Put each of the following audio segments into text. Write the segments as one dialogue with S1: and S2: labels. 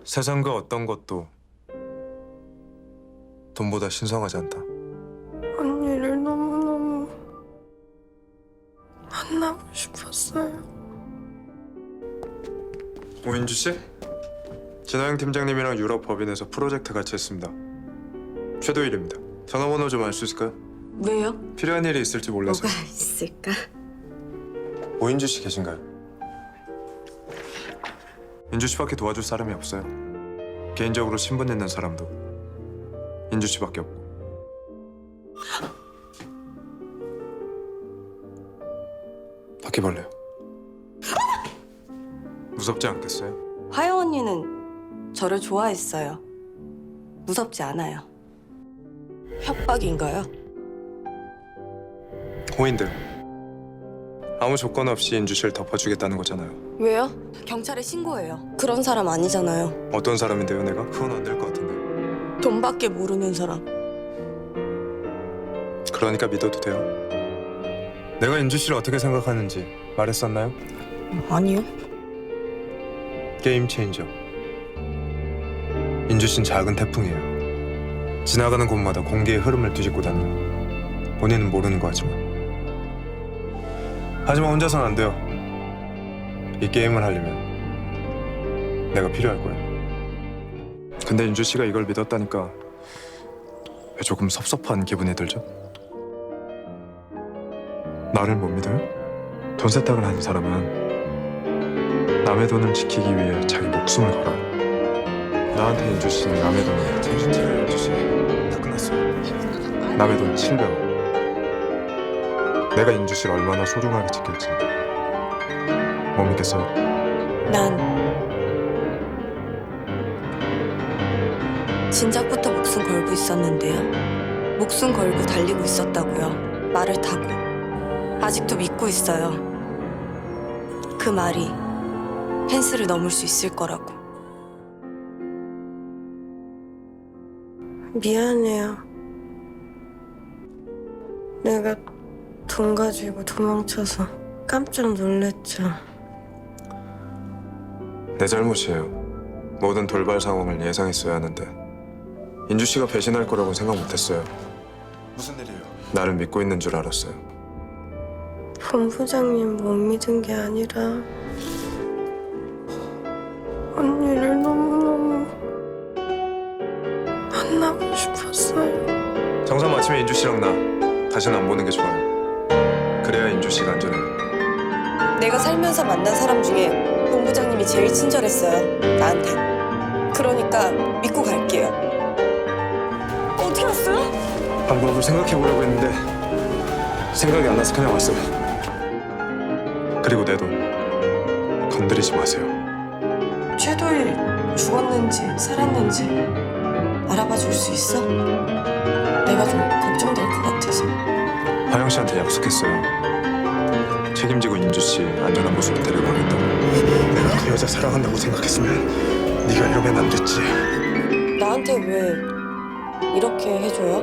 S1: 세상 그 어떤 것도 돈보다 신성하지 않다.
S2: 언니를 너무너무 만나고 싶었어요.
S1: 오인주 씨? 진화영 팀장님이랑 유럽 법인에서 프로젝트 같이 했습니다. 최도일입니다. 전화번호 좀 알 수 있을까요?
S2: 왜요?
S1: 필요한 일이 있을지 몰라서.
S2: 뭐가 있을까?
S1: 오인주 씨 계신가요? 인주 씨밖에 도와줄 사람이 없어요. 개인적으로 신분 있는 사람도 인주 씨밖에 없고. 바퀴벌레요. 무섭지 않겠어요?
S2: 화영 언니는 저를 좋아했어요. 무섭지 않아요. 협박인가요?
S1: 호인들 아무 조건 없이 인주 씨를 덮어주겠다는 거잖아요.
S2: 왜요? 경찰에 신고해요. 그런 사람 아니잖아요.
S1: 어떤 사람인데요, 내가? 그건 안 될 것 같은데.
S2: 돈밖에 모르는 사람.
S1: 그러니까 믿어도 돼요? 내가 인주 씨를 어떻게 생각하는지 말했었나요?
S2: 아니요.
S1: 게임 체인저. 인주 씨는 작은 태풍이에요. 지나가는 곳마다 공기의 흐름을 뒤집고 다니는. 본인은 모르는 거 하지만 혼자서는 안 돼요. 이 게임을 하려면 내가 필요할 거예요. 근데 인주 씨가 이걸 믿었다니까 왜 조금 섭섭한 기분이 들죠? 나를 못 믿어요? 돈 세탁을 하는 사람은 남의 돈을 지키기 위해 자기 목숨을 걸어요. 나한테 인주 씨는 남의 돈을 정신 차려요, 인주 씨. 다 끝났어요. 남의 돈 700원. 내가 인주 씨를 얼마나 소중하게 지킬지 못 믿겠어요.
S2: 난 진작부터 목숨 걸고 있었는데요. 목숨 걸고 달리고 있었다고요. 말을 타고. 아직도 믿고 있어요. 그 말이 펜스를 넘을 수 있을 거라고. 미안해요. 내가 돈 가지고 도망쳐서 깜짝 놀랐죠.
S1: 내 잘못이에요. 모든 돌발 상황을 예상했어야 하는데 인주 씨가 배신할 거라고 생각 못했어요. 무슨 일이에요? 나를 믿고 있는 줄 알았어요.
S2: 본부장님 못 믿은 게 아니라 언니를 너무너무 만나고 싶었어요.
S1: 정상 마치면 인주 씨랑 나 다시는 안 보는 게 좋아요. 그래야 인주 씨가 안전해요.
S2: 내가 살면서 만난 사람 중에 본부장님이 제일 친절했어요. 나한테. 그러니까 믿고 갈게요. 어떻게 왔어요?
S1: 방법을 생각해보려고 했는데 생각이 안 나서 그냥 왔어요. 그리고 내 돈 건드리지 마세요.
S2: 최도일 죽었는지 살았는지 알아봐 줄 수 있어? 내가 좀 걱정될 것 같아서.
S1: 화영 씨한테 약속했어요. 책임지고 인주 씨 안전한 곳으로 데려가겠다고. 내가 그 여자 사랑한다고 생각했으면 네가 이러면 안 됐지.
S2: 나한테 왜 이렇게 해줘요?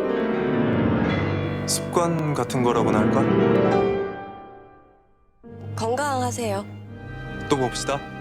S1: 습관 같은 거라고나 할까?
S2: 건강하세요.
S1: 또 봅시다.